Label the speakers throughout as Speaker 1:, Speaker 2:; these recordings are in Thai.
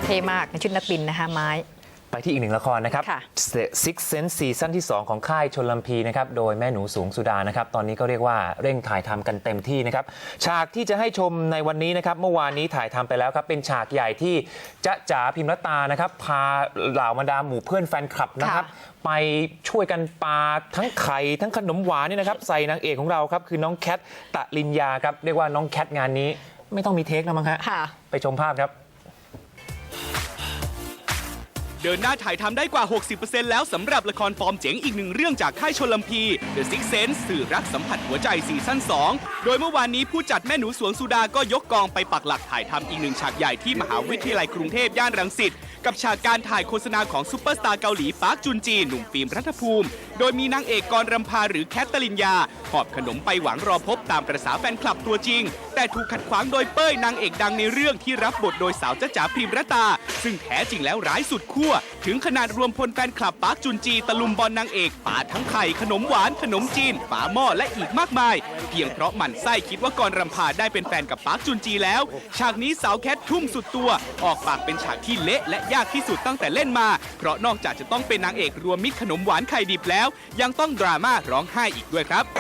Speaker 1: ท่มากในชุดนักบินนะคะไม้
Speaker 2: ไปที่อีกหนึ่งละครนะครับ Six Sense ซีซั่นที่ 2 ของค่ายชลพีนะครับโดยแม่หนูสูงสุดานะครับตอนนี้ก็เรียกว่าเร่งถ่ายทำกันเต็มที่นะครับฉากที่จะให้ชมในวันนี้นะครับเมื่อวานนี้ถ่ายทำไปแล้วครับเป็นฉากใหญ่ที่จ๊ะจ๋าพิมรตานะครับพาเหล่าบรรดาหมู่เพื่อนแฟนคลับนะครับไปช่วยกันปาทั้งไข่ทั้งขนมหวานนี่นะครับใส่นางเอกของเราครับคือน้องแคทตะลินยาครับเรียกว่าน้องแคทงานนี้ไม่ต้องมีเทคแล้วมั้งฮะไปชมภาพครับ
Speaker 3: เดินหน้าถ่ายทำได้กว่า 60% แล้วสำหรับละครฟอร์มเจ๋งอีกหนึ่งเรื่องจากค่ายชลพี The Six Sense สื่อรักสัมผัสหัวใจซีซั่น 2 โดยเมื่อวานนี้ผู้จัดแม่หนูสวงสุดาก็ยกกองไปปักหลักถ่ายทำอีกหนึ่งฉากใหญ่ที่มหาวิทยาลัยกรุงเทพย่านรังสิตกับฉากการถ่ายโฆษณาของซุปเปอร์สตาร์เกาหลีปาร์คจุนจีหนุ่มฟิล์มรัฐภูมิโดยมีนางเอกกรรำพาหรือแคทตลินยาหอบขนมไปหวังรอพบตามประสาแฟนคลับตัวจริงแต่ถูกขัดขวางโดยเป้ยนางเอกดังในเรื่องที่รับบทโดยสาวจ๊ะจ๋าพิมรตาซึ่งแท้จริงแล้วร้ายสุดขั้วถึงขนาดรวมพลแฟนคลับปาร์คจุนจีตะลุมบอลนางเอกปาทั้งไข่ขนมหวานขนมจีนฝาหม้อและอีกมากมายเพียงเพราะหมั่นไส้คิดว่ากรรำพาได้เป็นแฟนกับปาร์คจุนจีแล้วฉากนี้สาวแคททุ่มสุดตัวออกปากเป็นฉากที่เละและยากที่สุดตั้งแต่เล่นมาเพราะนอกจากจะต้องเป็นนางเอกรวมมิตรขนมหวานไข่ดิบแล้วยังต้องดราม่าร้องไห้อีกด้วยครับ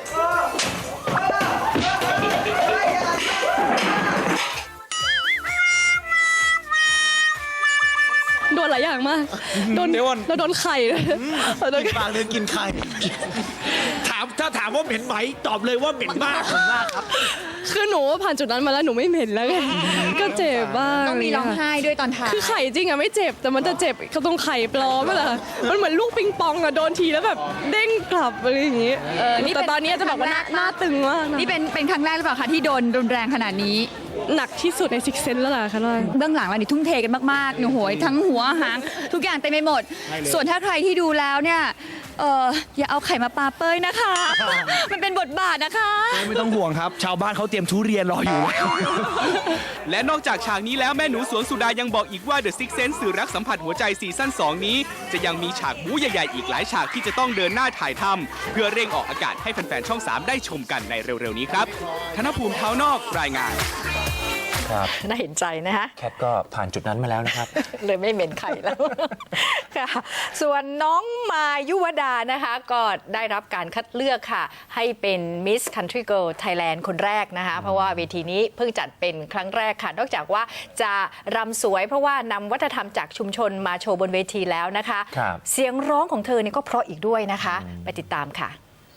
Speaker 4: โดนหลายอย่างมากเราโดนไข่
Speaker 5: กินปากเลยกินไข่ถ้าถามว่าเหม็นไหมตอบเลยว่าเหม็นมากครับ
Speaker 4: คือหนูผ่านจุดนั้นมาแล้วหนูไม่เหม็นแล้วไงก็เจ็บบ้าง
Speaker 1: ต้องมีร้องไห้ด้วยตอนถ่าย
Speaker 4: คือไข่จริงอะไม่เจ็บแต่มันจะเจ็บเขาตรงไข่ปลอมนั่นแหละมันเหมือนลูกปิงปองอะโดนทีแล้วแบบเด้งกลับอะไรอย่างงี้แต่ตอนนี้จะบอกว่าหน้าตึงมาก
Speaker 1: นี่เป็นครั้งแรกหรือเปล่าคะที่โดนรุนแรงขนาดนี้
Speaker 4: หนักที่สุดในซิกเซนแล้วล่ะค่ะ
Speaker 1: เบื้องหลังเรานี่ทุ่มเทกันมากๆหนูโหยทั้งหัวหางทุกอย่างเต็มไปหมดส่วนถ้าใครที่ดูแล้วเนี่ยอย่าเอาไข่มาปาเป้ยนะคะ มันเป็นบทบาทนะคะ
Speaker 5: ไม่ต้องห่วงครับชาวบ้านเขาเตรียมทุเรียนรออยู่
Speaker 3: และนอกจากฉากนี้แล้วแม่หนูสวนสุดายังบอกอีกว่า The Six Sense สื่อรักสัมผัสหัวใจซีซั่น 2 นี้จะยังมีฉากบู๊ใหญ่ๆอีกหลายฉากที่จะต้องเดินหน้าถ่ายทำเพื่อเร่งออกอากาศให้แฟนๆช่อง 3 ได้ชมกันในเร็วๆนี้ครับธนภูมิเท้านอกรายงาน
Speaker 1: น่าเห็นใจนะคะ
Speaker 2: แคทก็ผ่านจุดนั้นมาแล้วนะครับ
Speaker 1: เลยไม่เหม็นไข่แล้วค่ะส่วนน้องมายุวดานะคะก็ได้รับการคัดเลือกค่ะให้เป็น Miss Country Girl Thailand คนแรกนะคะเพราะว่าเวทีนี้เพิ่งจัดเป็นครั้งแรกค่ะนอกจากว่าจะรำสวยเพราะว่านำวัฒนธรรมจากชุมชนมาโชว์บนเวทีแล้วนะคะเสียงร้องของเธอเนี่ยก็เพราะอีกด้วยนะคะไปติดตามค่ะ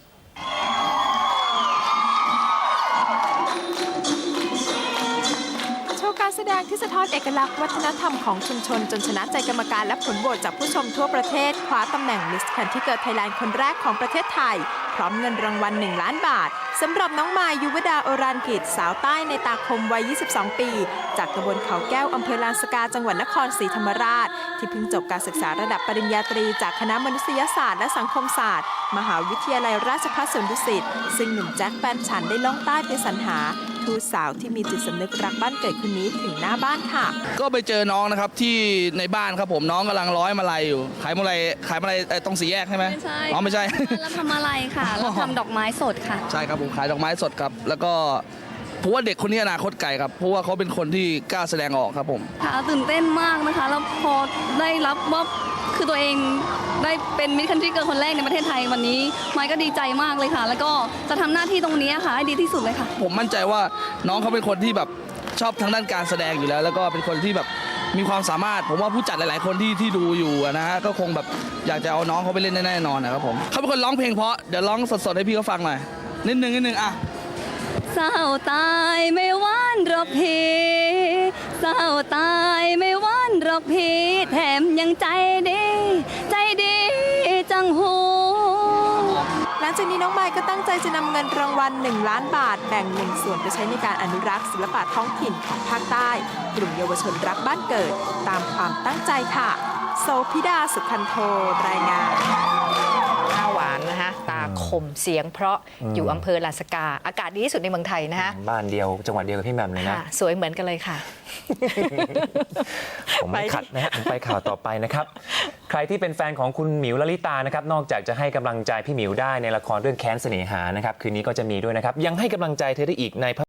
Speaker 6: การแสดงที่สะท้อนเอกลักษณ์วัฒนธรรมของชุมชนจนชนะใจกรรมการและผลโหวตจากผู้ชมทั่วประเทศคว้าตำแหน่ง Miss Country Girl Thailand คนแรกของประเทศไทยพร้อมเงินรางวัล1 ล้านบาทสำหรับน้องมายยุวดาโอรานกิจสาวใต้ในตาคมวัย 22 ปีจากตำบลเขาแก้วอำเภอลานสกาจังหวัดนครศรีธรรมราชที่เพิ่งจบการศึกษาระดับปริญญาตรีจากคณะมนุษยศาสตร์และสังคมศาสตร์มหาวิทยาลัยราชภัฏสวนดุสิตซึ่งหนุ่มแจ็คแฟนฉันได้ล่องใต้ไปสรรหาทูตสาวที่มีจิตสำนึกรักบ้านเกิดคนนี้ถึงหน้าบ้านค่ะ
Speaker 7: ก็ไปเจอน้องนะครับที่ในบ้านครับผมน้องกำลังร้อยมาลัยอยู่ขายมาลัยตรงสี่แยกใช่ไหม
Speaker 8: ไม่ใช่
Speaker 7: อ๋อไม่ใช่
Speaker 8: เราทำอะไรค่ะเราทำดอกไม้สดค่ะ
Speaker 7: ใช่ครับผมขายดอกไม้สดครับแล้วก็เพราะว่าเด็กคนนี้อนาคตไกลครับเพราะว่าเขาเป็นคนที่กล้าแสดงออกครับผม
Speaker 8: ค่ะตื่นเต้นมากนะคะแล้วพอได้รับว่าคือตัวเองได้เป็นมิสคันทรีเกิร์ลคนแรกในประเทศไทยวันนี้ไมค์ก็ดีใจมากเลยค่ะแล้วก็จะทำหน้าที่ตรงนี้ค่ะให้ดีที่สุดเลยค่ะ
Speaker 7: ผมมั่นใจว่าน้องเขาเป็นคนที่แบบชอบทางด้านการแสดงอยู่แล้วแล้วก็เป็นคนที่แบบมีความสามารถผมว่าผู้จัดหลายๆคนที่ดูอยู่นะฮะก็คงแบบอยากจะเอาน้องเขาไปเล่นแน่นอนนะครับผมเขาเป็นคนร้องเพลงเพราะเดี๋ยวร้องสดๆให้พี่เขาฟังหน่อยนิดนึงอ่ะ
Speaker 8: เศร้าตายไม่หวานหรอกพี่เศร้าตายไม่หวานหรอกพี่แถมยังใจดีจังหู
Speaker 6: หลังจากนี้น้องไมค์ก็ตั้งใจจะนำเงินรางวัล1 ล้านบาทแบ่ง1 ส่วนไปใช้ในการอนุรักษ์ศิลปะท้องถิ่นของภาคใต้กลุ่มเยาวชนรักบ้านเกิดตามความตั้งใจค่ะโสภิดาสุขันโทรายงาน
Speaker 1: หน้าหวานนะคะตาคมเสียงเพราะอยู่อำเภอลานสกาอากาศดีที่สุดในเมืองไทยนะคะ
Speaker 2: บ้านเดียวจังหวัดเดียวกับพี่แหม่มเลยนะ
Speaker 1: สวยเหมือนกันเลยค่ะ
Speaker 2: ผมไม่ขัดนะฮะผมไปข่าวต่อไปนะครับใครที่เป็นแฟนของคุณหมิวลลิตานะครับนอกจากจะให้กำลังใจพี่หมิวได้ในละครเรื่องแค้นเสน่หานะครับคืนนี้ก็จะมีด้วยนะครับยังให้กำลังใจเธอได้อีกใน